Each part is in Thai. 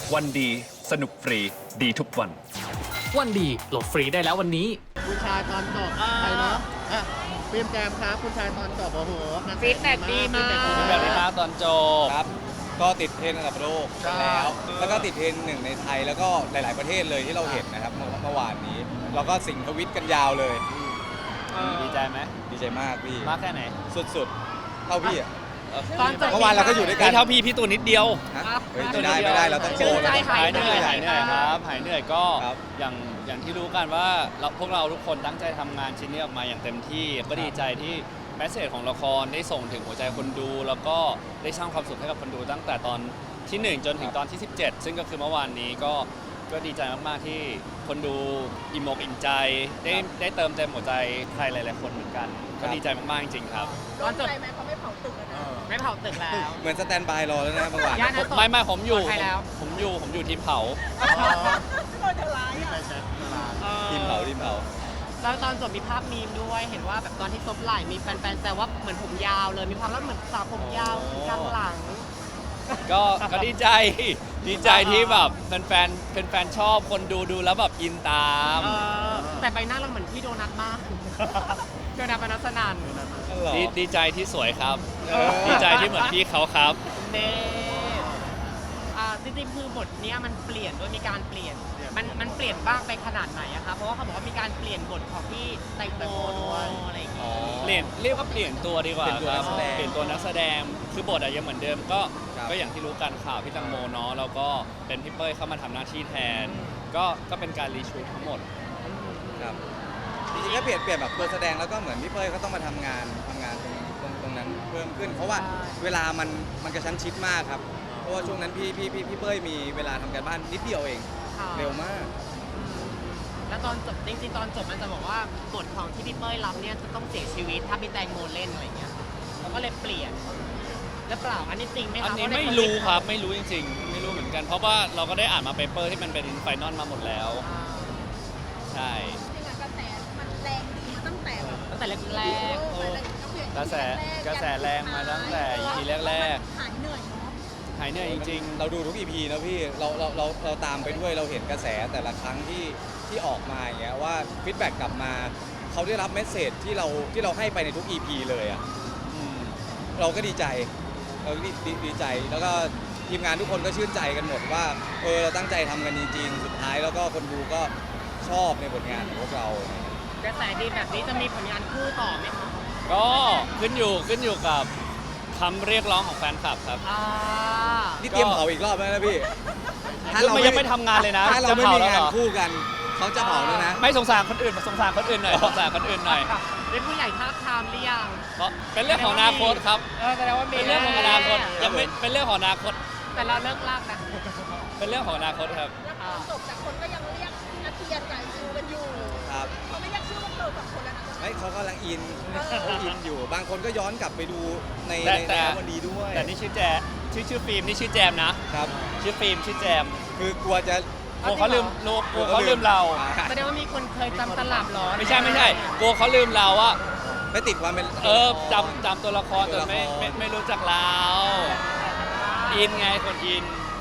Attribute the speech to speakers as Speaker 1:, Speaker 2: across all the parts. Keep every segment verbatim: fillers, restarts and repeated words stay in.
Speaker 1: วันดีสนุกฟรีดีทุกวัน
Speaker 2: วันดีโหลดฟรีได้แล้ววันนี้
Speaker 3: คุณชายตอนจบใครเนาะอ่ะฟิล์มแจมครับคุณชายตอนจบโอ้โห
Speaker 4: ฟีดแบ็กดีมาก
Speaker 5: แบบนี้มากตอนจบ
Speaker 6: ครับก็ติดเทรนด์ระดับโลกแล้ว แล้วก็ติดเทรนด์หนึ่งในไทยแล้วก็หลาย ๆประเทศเลยที่เราเห็นนะครับเมื่อเมื่อวานนี้ เราก็สิงทวิตกันยาวเลย
Speaker 5: ดีใจไหม
Speaker 6: ดีใจมากพี่
Speaker 5: มากแค่ไหน
Speaker 6: สุด ๆ เท่าพี่อ่ะ
Speaker 4: ตอนจบ
Speaker 6: เมื่อวานเราก็อยู่ด้วยกั
Speaker 5: ไม่
Speaker 6: น
Speaker 5: เท่าพี่พี่ตัวนิดเดียว
Speaker 6: ฮะเฮ้ยไม่ได้ไม่ได้เราต้องโชว์
Speaker 4: ใจ
Speaker 6: เราต้อง
Speaker 4: หา
Speaker 5: หาย ยเหนื่อยหายเหนื่อยครับหายเหนื่อยก็
Speaker 6: ครับ
Speaker 5: อย่างอย่างที่รู้กันว่าเราพวกเราทุกคนตั้งใจทำงานชิ้นนี้ออกมาอย่างเต็มที่ก็ดีใจที่แมสเซจของละครได้ส่งถึงหัวใจคนดู แล้วก็ได้สร้างความสุขให้กับคนดูตั้งแต่ตอนที่หนึ่งจนถึงตอนที่สิบเจ็ดซึ่งก็คือเมื่อวานนี้ก็ก็ดีใจมากๆที่คนดูอิ่มอกอิ่มใจได้ได้เติมเต็มหัวใจใครหลายๆคนเหมือนกัน ก็ดีใจมากๆจริงๆครับ
Speaker 4: ตอนจบ
Speaker 7: ใจไหมเขาไม่เผาตึกอะนะ
Speaker 4: ไม่เผาตึกแล้ว
Speaker 6: เหมือนสแตนบายรอแล้วนะเมื่อวาน
Speaker 4: ย่านนั้น
Speaker 5: ไม่ไม่ผมอยู่
Speaker 4: ปลอดภัยแล้ว
Speaker 5: ผมอยู่ผมอยู่ทีมเผา
Speaker 7: โดนจะร้ายอ่ะ
Speaker 6: ทีมเผาทีมเผา
Speaker 4: แล้วตอนจบมีภาพมีมด้วยเห็นว่าแบบตอนที่ซบไหล่มีแฟนๆแต่ว่าเหมือนผมยาวเลยมีความแล้วเหมือนสาวผมยาวกลางหลัง
Speaker 5: ก็ก็ดีใจดีใจที่แบบแฟนๆแฟนๆชอบคนดูดูแล้วแบบอินตาม
Speaker 4: เออแต่ใบหน้าเราเหมือนพี่โดนัทมากโดนัทปนัสนัน
Speaker 5: ดีดีใจที่สวยครับ ดีใจที่เหมือนพี่เขาครับ
Speaker 4: เน่อ่าจริงๆคือบทเนี้ยมันเปลี่ยนด้วยมีการเปลี่ยน มันมันเปลี่ยนบ้างไปขนาดไหนอะคะเพราะว่าเขาบอกว่ามีการเปลี่ยนบทของพี่แตงโมอะไรอย่างเงี้ย
Speaker 5: เปลี่ยนเรียกว่าเปลี่ยนตัวดีกว่า
Speaker 6: เปลี่ยนตัว
Speaker 5: ค
Speaker 6: นั
Speaker 5: รับ
Speaker 6: กแสดง
Speaker 5: เปลี่ยนตัวนักแสดงคือบทอะยังเหมือนเดิมก็
Speaker 6: ครับ
Speaker 5: ก็อย่างที่รู้กันข่าวพี่ตังโมเนาะแล้วก็เป็นพี่เป้ยเข้ามาทำหน้าที่แทน ก็ก็เป็นการรีชูตทั้งหมด
Speaker 6: ครับจริงๆก็เปลี่ยนเปลี่ยนแบบตัวแสดงแล้วก็เหมือนพี่เป้ยเขาต้องมาทำงานทำงานตรงตรงตรงนั้นเพิ่มขึ้น เพราะว่าเวลามันมันกระชั้นชิดมากครับเพราะว่าช่วงนั้นพี่พี่พี่พี่เป้ยมีเวลาทำการบ้านนิดเดียวเอง
Speaker 4: ค่ะ
Speaker 6: เร็วมาก
Speaker 4: แล้วตอนจบจริงๆตอนจบมันจะบอกว่าบทของที่พี่เป้ยรับเนี่ยจะต้องเสียชีวิตถ้าพี่แตงโมเล่นอะไรอย่างเงี้ยแล้วก็เลยเปลี่ยนแล้วเปล่าอันนี้จริงไหมคะ
Speaker 5: อันนี้
Speaker 4: เพาะใน
Speaker 5: ไม่รู้ครับไม่รู้จริงๆ ไม่รู้เหมือนกัน เพราะว่าเราก็ได้อ่านมาเปเปอร์ที่มันเป็นไฟนอลมาหมดแล้ว
Speaker 4: อ่า
Speaker 5: ใช่
Speaker 7: จริงๆอะกระแสมันแรงดีมาตั้งแต่แบบ
Speaker 4: ตั้งแต่แรก
Speaker 7: เออเปลี่ยน
Speaker 5: กระแสกระแสแรงมาตั้งแต่ อี พีแรก
Speaker 7: หายเหนื่อยเนาะ
Speaker 5: ๆหายเหนื่อยจริงๆ
Speaker 6: เราดูทุก อี พี นะพี่เราเราเราเราตามไปด้วยเราเห็นกระแสแต่ละครั้งที่ที่ออกมาอย่างเงี้ยว่าฟีดแบ็กกลับมาเขาได้รับเมสเซจที่เราที่เราให้ไปในทุก อี พี เลยอ่ะ
Speaker 5: อืม
Speaker 6: เราก็ดีใจเราดีดีดีใจแล้วก็ทีมงานทุกคนก็ชื่นใจกันหมดว่าเออเราตั้งใจทำกันจริงๆ สุดท้ายแล้วก็คนดูก็ชอบในผลงานของพวกเรา
Speaker 4: ๆกระแสดีแบบนี้จะมีผลงานคู่ต่อไหมคะ
Speaker 5: ก็ขึ้นอยู่ขึ้นอยู่กับคำเรียกร้องของแฟนคลับครับ
Speaker 4: อ่า
Speaker 6: นี่เตรียมเผาอีกรอบแล้วนะพี่
Speaker 5: คือมันยังไม่ทำงานเลยนะ
Speaker 6: ถ้าเรา
Speaker 5: จะ
Speaker 6: ไม่
Speaker 5: เผา
Speaker 6: มี
Speaker 5: แล้ว
Speaker 6: งา
Speaker 5: เหร
Speaker 6: น
Speaker 5: อ
Speaker 6: คู่กันเขาจะเผาแล้วนะ
Speaker 5: ไม่สงสารคนอื่นสงสารคนอื่นหน่อยสงสารคนอื่นหน่อย
Speaker 4: เป็นผู้ใหญ่ท้าบทามหรือยัง
Speaker 5: เพราะเป็นเรื่องของอนาคตครับ
Speaker 4: เออแสดงว่ามี
Speaker 5: เป็นเรื่องของอนาคต
Speaker 4: แ
Speaker 5: ยังไม่เป็นเรื่องของอนาคต
Speaker 4: แต่เราเลิกลากนะ
Speaker 5: เป็นเรื่องของอนาคตครับ
Speaker 7: แล้วตอนจบแต่คนก็ยังเรียกนัทเทียนกับยูกันอยู่
Speaker 6: ครับ
Speaker 7: เขาไม่เรียกชื่อพวกเราสองคนแล้วนะ
Speaker 6: เฮ้ยเขากำลังอินเขาอินอยู่ บางคนก็ย้อนกลับไปดูใน
Speaker 5: แต่
Speaker 6: ใน
Speaker 5: แต่
Speaker 6: วันดีด้วย
Speaker 5: แต่นี่ชื่อแจชื่อชื่อฟิล์มนี่ชื่อแจมนะ
Speaker 6: ครับ
Speaker 5: ชื่อฟิล์มชื่อแจม
Speaker 6: คือกลัวจะ
Speaker 5: กลัวเขาลืมกลัวกลัวเขาลืมเรา
Speaker 6: อ่
Speaker 4: แสดงว่ามีคนเคยจำตลับเหรอ
Speaker 5: ไม่ใช่ไม่ใช่กลัวเขาลืมเราว่า
Speaker 6: ไม่ติดความเป็น
Speaker 5: เออจำจำตัวละครจนไม่ไม่ไม่รู้จักเราอินไงคนอิน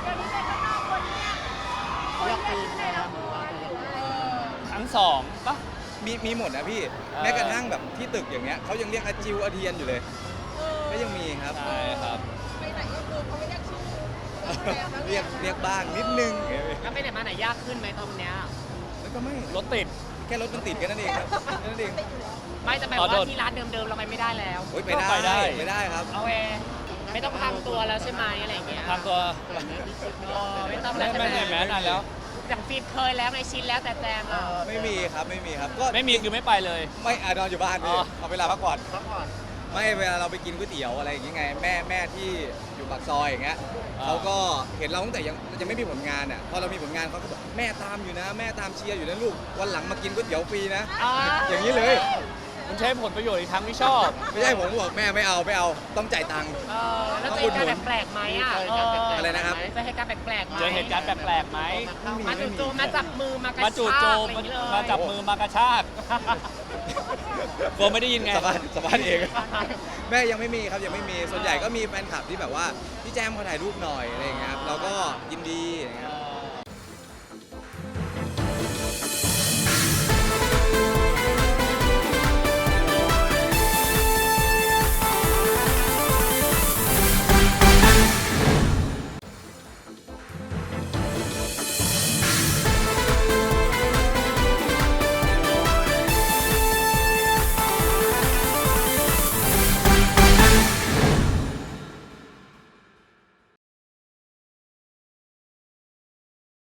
Speaker 7: เรียกตีนในละครหรือว่า
Speaker 5: ทั้งสองปะ
Speaker 6: มีมีหมดนะพี่
Speaker 5: เออ
Speaker 6: แม้กระทั่งแบบที่ตึกอย่างเงี้ยเขายังเรียกอาจิวอาเทียนอยู่เลย
Speaker 7: เออ
Speaker 6: ก็ยังมีครับ
Speaker 5: ใช่ครับ
Speaker 7: ไปไหนก็คือเขาไม่เรียกชื่อแต่ว่า
Speaker 6: เรียกเรียกบ้างนิดนึง
Speaker 4: แล้วไปไหนมาไหนยากขึ้นไหมตรงเนี้ย
Speaker 6: แล้วก็ไม่
Speaker 5: รถติด
Speaker 6: แค่รถมันติดแค่นั้นเองครับแค่นั้นเอง
Speaker 4: ไม่จะแปล
Speaker 5: อ๋อโด
Speaker 4: ว่าน ที่ร้านเดิมๆเราไปไม่ได้แล้ว
Speaker 6: โอ๊ยไป
Speaker 5: ก็ไปได้
Speaker 6: ได้ไปได้ครับ
Speaker 4: เอาเอไม่ต้องทำตัวแล้วใช่ไหมอะไรอย่างเงี้ย
Speaker 5: ทำตัว
Speaker 4: เออไม่ต้อง
Speaker 5: ไม่
Speaker 4: แล้วใช่
Speaker 5: ไม่
Speaker 4: ไหม
Speaker 5: ใช่แม้นานแล้ว
Speaker 4: อย่างฟิล์มเคยแล้วไงชินแล้วแต่แจมอ่ะ
Speaker 6: ไม่มีครับไม่มีครับก็
Speaker 5: ไม่มีคือไม่ไปเลย
Speaker 6: ไม่อะนอนอยู่บ้าน
Speaker 5: อ๋
Speaker 6: พี่
Speaker 5: อ
Speaker 6: เอาเวลาพักผ่อน
Speaker 3: พักผ่อน
Speaker 6: ไม่เวลาเราไปกินก๋วยเตี๋ยวอะไรอย่างเงี้ยไงแม่แม่ที่อยู่ปากซอยอย่างเงี้ยเขาก็เห็นเราตั้งแต่ยังยังไม่มีผลงานอ่ะพอเรามีผลงานเขาก็บอกแม่ตามอยู่นะ แม่ตามเชียร์อยู่นะลูกวันหลังมากินก๋วยเตี๋ยวฟรีนะ
Speaker 4: อ๋อ
Speaker 6: อย่างนี้เลย
Speaker 5: มันใช้ผลประโยชน์อีกทางที่ชอบ
Speaker 6: ไม่ใช่ผมบอกแม่ไม่เอาไม่เอาต้องจ่ายตังค์
Speaker 4: เออแล้วเจอเหตุการณ์แปลกๆไหมอ่ะเออ
Speaker 6: อะไรนะครับ
Speaker 4: เจอเหตุการณ์แปลกๆไหม
Speaker 5: เจอเหตุการณ์แปลกๆไหม
Speaker 4: มาจู่โจมมาจับมือมากระ
Speaker 5: มาจู่
Speaker 4: ชาก
Speaker 5: โจ
Speaker 4: อะ
Speaker 5: ม
Speaker 4: ไรอย่างเงี้ยเลย
Speaker 5: มาจับมือมากระชากกลัวไม่ได้ยินไง
Speaker 6: สบายสบายเอง แม่ยังไม่มีครับยังไม่มีส่วนใหญ่ก็มีแฟนคลับที่แบบว่าพี่แจมขอถ่ายรูปหน่อยอะไรอย่างเงี้ยครับเราก็ยินดีอย่างเงี้ย